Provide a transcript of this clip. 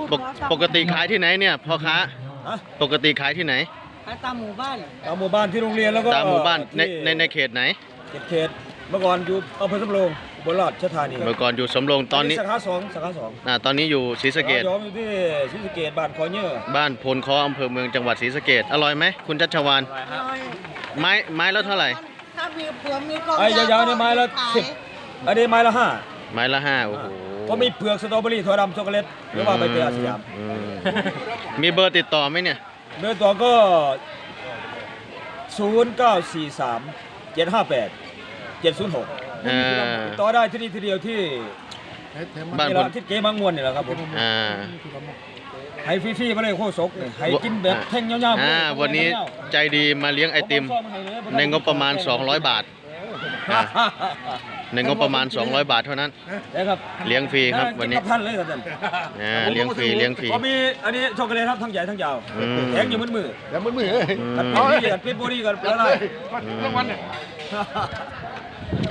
ปกติขายที่ไหนเนี่ยพ่อค้าฮะปกติขายที่ไหนตามหมู่บ้านตามหมู่บ้านที่โรงเรียนแล้วก็ตามหมู่บ้านที่ในเขตไหนเขตเมื่อก่อนอยู่อำเภอสำโรงอุบลราชธานีเมื่อก่อนอยู่สำโรงตอนนี้สาขาสองสาขาสองตอนนี้อยู่ศรีสะเกษย้อมอยู่ที่ศรีสะเกษบ้านคอเนื้อบ้านโพนคออำเภอเมืองจังหวัดศรีสะเกษอร่อยไหมคุณชัชวานไม้แล้วเท่าไหร่ถ้ามีเผือกมีกองไอ้ยาวๆนี่ไม้ละขาย 10อันนี้ไม้ละ5 ไม้ละ5โอ้โหก็มีเปลือกสตรอเบอรี่ถั่วดำช็อกโกแลตหรือว่าใบเตยอาสยามอืมมีเบอร์ติดต่อไหมเนี่ยเบอร์ตัวก็0943 758 706 อ่าติดต่อได้ที่นี่ทีเดียวที่บ้านนี่พแหนละที่เก๋มังมวนนี่แหละครับผมอ่าให้ฟรีๆมาเลยโคศกนี่ให้กินแบบแท่งยาวๆวันนี้ใจดีมาเลี้ยงไอติมในงบประมาณ200 บาทอ่าในงบประมาณ200 บาทเท่านั้นนะครับเลี้ยงฟรีครับวันนี้กิกับท่านเลยครับท่านเลี้ยงฟรีเลี้ยงฟรีก็มีอันนี้ช็อกโกแลตครับทั้งใหญ่ทั้งยาวอืมแทงอยู่มือแล้วมือกัดเป็นบุรีกัดละลายรางวัลเนี่ย